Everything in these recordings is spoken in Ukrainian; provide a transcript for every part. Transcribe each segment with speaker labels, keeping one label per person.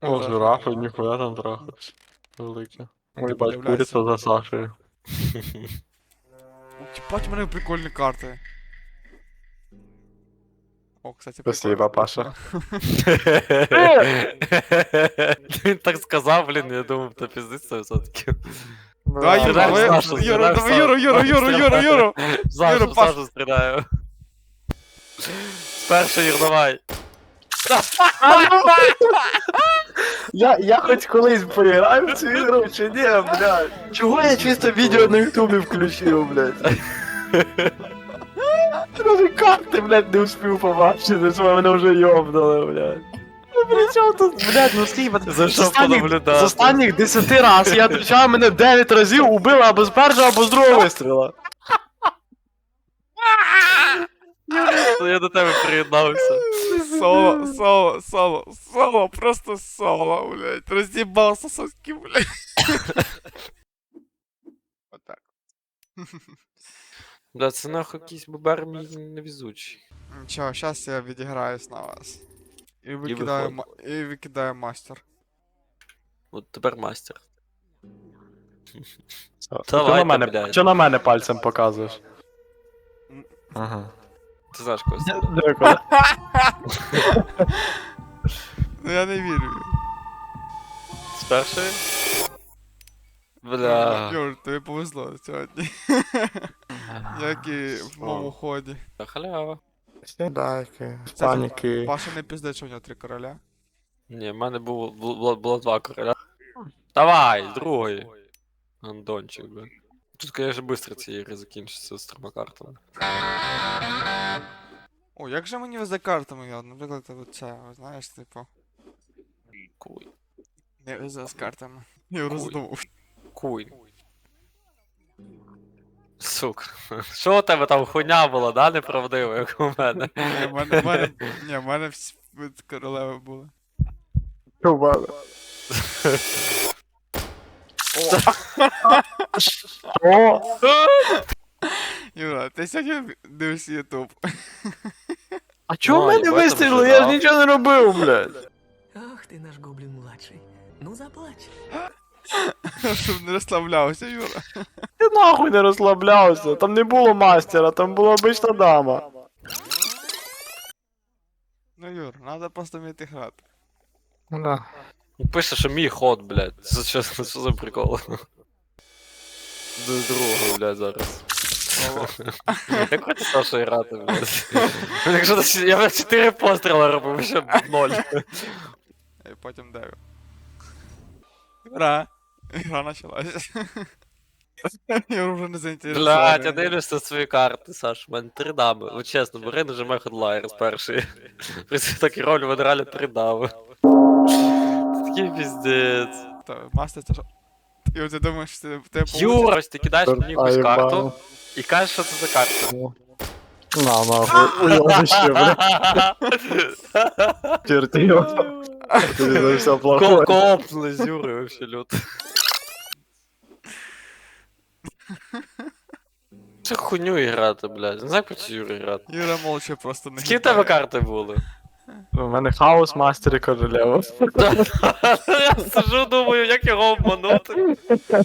Speaker 1: О, жирафи, ніхуя там трахаються. Великі. Ой, бать,
Speaker 2: подивляйся.
Speaker 1: куриця за Сашею.
Speaker 2: Ебать, у мене прикольні карти. О, кстати,
Speaker 1: Спасибо,
Speaker 2: прикольно.
Speaker 1: Паша.
Speaker 3: Він так сказав, блін, я думав, то піздиться все-таки.
Speaker 2: Давай, Юра,
Speaker 3: Стріляй в
Speaker 2: давай,
Speaker 3: Сашу,
Speaker 2: Юра,
Speaker 3: стріляй в
Speaker 2: давай, Юра,
Speaker 3: Сашу.
Speaker 2: Юра, Юра, Юра, Юра.
Speaker 3: Сашу,
Speaker 2: Паш.
Speaker 3: Сашу стріляю. Перший, Юр, давай.
Speaker 1: Я хоч колись поіграю в цю ігру, чи ні, блядь? Чого я чисто відео на ютубі включив, блядь? Навіть карти, блядь, не успів побачити, що мене вже йобнули, блядь. Ну, при чому тут, блядь, ну скільки...
Speaker 3: Зайшов понаблюдати.
Speaker 1: З останніх 10 раз я отвечав, мене 9 разів убили або з першого, або з другого вистріла.
Speaker 3: Я до тебе приєднався.
Speaker 2: Соло, просто соло, блядь. Разъебал сососки, блядь. Вот так.
Speaker 3: Бля, це нахуй якийсь бобер мій невезучий.
Speaker 2: Ничего, сейчас я відіграюсь на вас. І
Speaker 3: виходь.
Speaker 2: викидаю мастер.
Speaker 3: От тепер мастер.
Speaker 1: Що
Speaker 3: Давай,
Speaker 1: на мене,
Speaker 3: блядь.
Speaker 1: що на мене пальцем показуєш? Ага.
Speaker 3: Ти знаєш когось.
Speaker 1: Дякую.
Speaker 2: Ну я не вірю.
Speaker 3: З першої? Бля.
Speaker 2: Юр, тобі повезло сьогодні. Як і в моєму ході.
Speaker 3: Халява.
Speaker 1: Сідайки,
Speaker 2: Це
Speaker 1: паніки.
Speaker 2: Паша не пиздить, що у нього 3 короля.
Speaker 3: Ні, в мене було 2 короля. Давай, другий. Андончик, бля. Тут, конечно, быстро ці ігри закінчаться з 3 картами.
Speaker 2: О, як же мені везе картами, я, наприклад, оце, знаєш, типу,
Speaker 3: Куй.
Speaker 2: не везе з картами. Я роздумав.
Speaker 3: Куй. Сука. Що у тебе там хуйня була, да, неправдива, як у мене?
Speaker 2: Ні, в мене всі королеви були.
Speaker 1: Чувак. О!
Speaker 2: Юра, ти сьогодні дивишся ютуб.
Speaker 1: А чого в
Speaker 3: Ой,
Speaker 1: мене
Speaker 3: в этом
Speaker 1: вистрілили?
Speaker 3: же,
Speaker 1: Я ж
Speaker 3: да.
Speaker 1: нічого не робив, блядь.
Speaker 4: Ах ты наш гоблин-младший. Ну заплачь.
Speaker 2: Щоб не розслаблявся, Юра.
Speaker 1: Ти нахуй не розслаблявся. Там не було мастера, там була обична дама.
Speaker 2: Ну, Юр, треба просто вміти грати.
Speaker 1: Да.
Speaker 3: Пише, що мій ход, блядь. Це що за прикол? До другого, блядь, зараз. Як хочеш Саша грати, блядь? Якщо я 4 постріли робив, ще 0.
Speaker 2: І потім дев'ю. Юра. Ігра почалась. Юра вже не заінтересований.
Speaker 3: Блядь, я дивлюся свої карти, Саш, у мене 3 дами. Ну чесно, бери, нажимай хедлайер з першої. При цьому такій ролі в мене реально 3 дами. Це такий піздець.
Speaker 2: Та, Мастер, це що? Юр, ти думаєш, що ти тебе
Speaker 3: Юра, ось ти кидаєш мені якусь карту
Speaker 1: Аєбал.
Speaker 3: і кажеш, що це за карта.
Speaker 1: На, нахуй. Уйобище, блядь. Черти його. Тобі за все плохое.
Speaker 3: Копнули з Юрою вообще люто. Це хуйню грати, блядь. Не знаю, як проти Юри грати.
Speaker 2: Юра молча просто не
Speaker 3: Скільки в тебе карти були?
Speaker 1: У мене хаос, мастер і королева.
Speaker 3: Я сижу, думаю, як його обманути.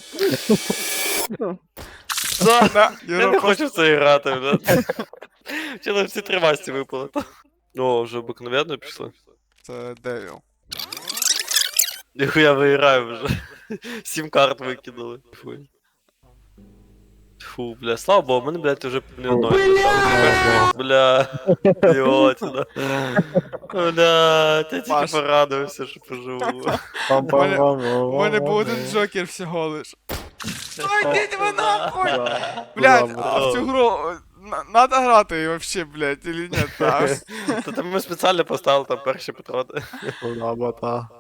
Speaker 2: Да,
Speaker 3: Я
Speaker 2: Юра
Speaker 3: не
Speaker 2: просто...
Speaker 3: хочу в це грати, блядь. Вчора всі 3 масті випали. О, вже обикновенно пішло.
Speaker 2: Це Девіл.
Speaker 3: Ніхуя виграю вже. 7 карт викинули. Фуй. Фу, бля, слава богу, мене, блядь, вже не одної. Бля, ідіотіна. Бля, я тільки
Speaker 2: Паш.
Speaker 3: порадувався, що поживу.
Speaker 2: У мене був один джокер всього лиш. Ой, йдіть ви нахуй! Блядь, а в цю гру надо грати вообще, блядь, или ні?
Speaker 3: Та ми спеціально поставили там перші патрони.
Speaker 1: Куда бота.